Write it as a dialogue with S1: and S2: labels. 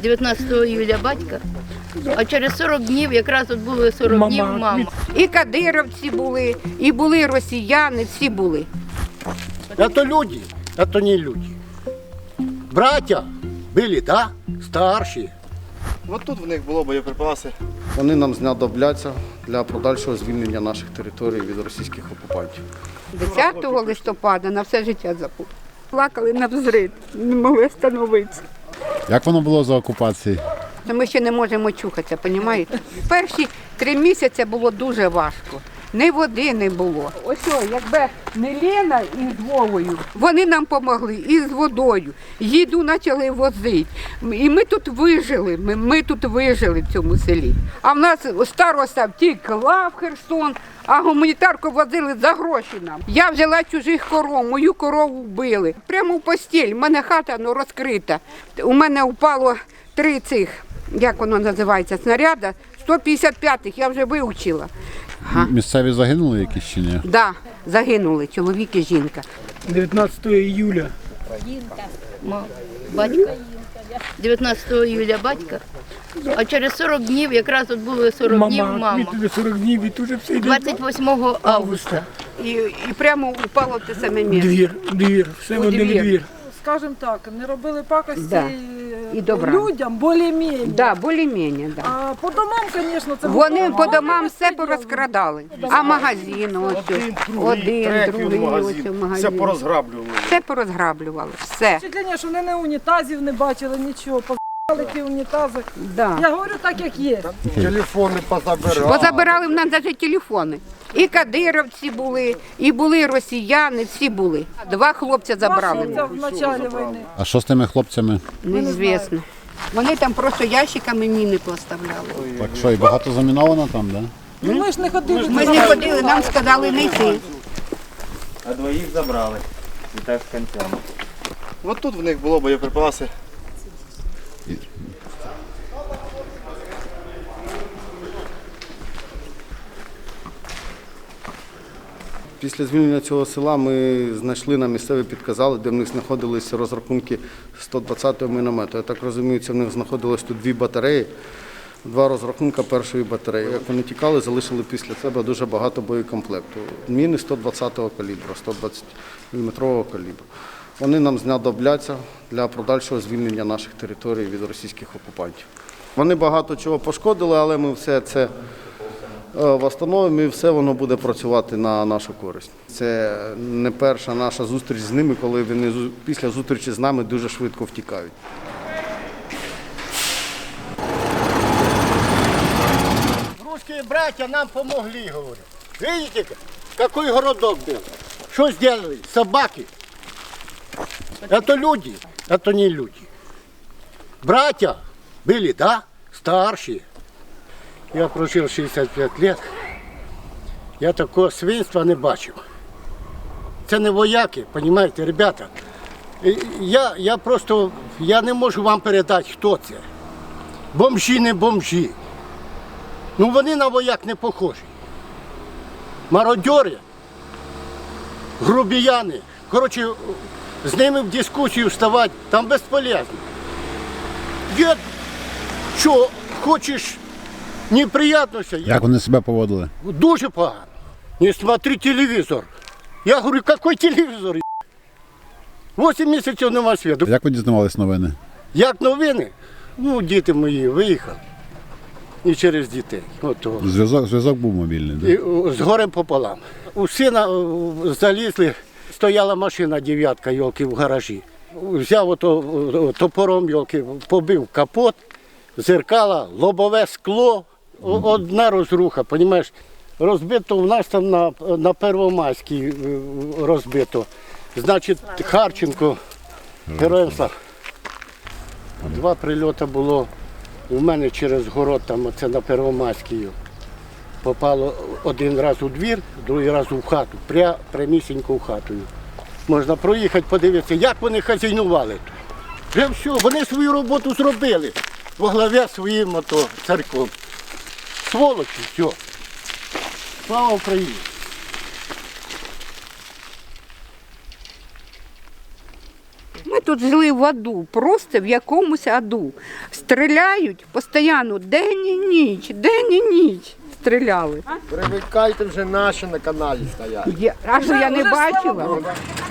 S1: 19 июля батька, а через 40 днів, якраз от було 40 днів мама.
S2: І кадировці були, і були росіяни, всі були.
S3: Это люди, это не люди. Братья были, да, старші.
S4: От тут в них було боєприпаси.
S5: Вони нам знадобляться для подальшого звільнення наших територій від російських окупантів.
S2: 10 листопада на все життя забув. Плакали навзрид, не могли встановитися.
S6: Як воно було за окупації?
S2: Ми ще не можемо чухатися, розумієте? Перші 3 місяці було дуже важко. Ні води не було. Ось, якби не Лена із Вовою, вони нам допомогли і з водою. Їду почали возити. І ми тут вижили, ми тут вижили в цьому селі. А в нас староста втекла в Херсон, а гуманітарку возили за гроші нам. Я взяла чужих коров, мою корову вбили. Прямо в постіль, в мене хата розкрита. У мене впало 3 цих, як воно називається, снаряда, 155-х, я вже вивчила.
S6: Місцеві загинули якісь чи ні?
S2: Так, да, загинули чоловік і жінка.
S7: 19 июля.
S1: Батька. 19 июля батька, а через 40 днів, якраз от було 40 днів мама.
S7: Від 40 днів і тут же все йде.
S1: 28 августа.
S2: І прямо упало в те саме місце.
S7: Двір, все в один двір.
S8: Скажем так, не робили пакості
S2: Да. І добра.
S8: людям, більш-менш.
S2: Да, більш-менш, да.
S8: А по домам, звісно, це
S2: Вони
S8: було
S2: по домам все порозкрадали. А магазин ось, один, другий, ось
S4: Все
S2: магазин.
S4: порозграблювали.
S2: Все порозграблювали, все.
S8: Впечатлення, що вони не унітазів не бачили, нічого. Позабирали ті унітази.
S2: Да.
S8: Я говорю так, як є.
S3: Телефони позабирали.
S2: Позабирали в нас навіть телефони. І кадировці були, і були росіяни, всі були. 2 хлопця
S8: Це
S2: забрали.
S8: в початку війни.
S6: А що з тими хлопцями?
S2: Неізвісно. Вони там просто ящиками міни поставляли.
S6: Так що, і багато заміновано там, да?
S8: Ну, ми ж не ходили.
S2: Ми не ходили, нам сказали не йти.
S9: А двоїх забрали. І так з кінцями.
S4: От тут в них було боєприпаси.
S5: Після звільнення цього села ми знайшли, на місцеві підказали, де в них знаходилися розрахунки 120-го міномету. Я так розумію, це в них знаходилось тут 2 батареї, 2 розрахунки першої батареї. Як вони тікали, залишили після себе дуже багато боєкомплекту. Міни 120-го калібру, 120-мм калібру. Вони нам знадобляться для подальшого звільнення наших територій від російських окупантів. Вони багато чого пошкодили, але ми все це встановимо і все воно буде працювати на нашу користь. Це не перша наша зустріч з ними, коли вони після зустрічі з нами дуже швидко втікають.
S3: Русские братья нам помогли, говорю. Видите, какой городок был? Что сделали? Собаки. Это люди, это не люди. Братья были, да, старшие. Я прожив 65 років. Я такого свинства не бачив. Це не вояки, розумієте, ребята. Я не можу вам передати, хто це. Бомжі, не бомжі. Ну вони на вояк не похожі. Мародьори, грубіяни. Коротше, з ними в дискусію вставати, там безполезно. Дід, що, хочеш неприятності?
S6: Як вони себе поводили?
S3: Дуже погано. Не смотри телевізор. Я говорю, який телевізор? 8 місяців нема світу.
S6: Як ви дізнавались новини?
S3: Як новини? Ну, діти мої виїхали. І через дітей. От
S6: Зв'язок був мобільний, да?
S3: І з горем пополам. У сина залізли, стояла машина 9-ка, йолки, в гаражі. Взяв топором, йолки, побив капот, зеркала, лобове скло, одна розруха, розумієш? Розбито в нас там на Первомайській розбито. Значить, Харченко, героям слава. 2 прильоти було у мене через город, там оце на Первомайській. Попало один раз у двір, другий раз у хату, прямісінько в хату. Можна проїхати, подивитися, як вони хазяйнували тут. Вже все, вони свою роботу зробили во главі своїм царьком. Сволочі, все. Слава Україні!
S2: ми тут жили в аду, просто в якомусь аду. Стріляють постійно, день і ніч стріляли.
S10: Привикайте вже наші на каналі стоять.
S2: А що я не
S8: Вже, слава
S2: бачила?
S8: Богу.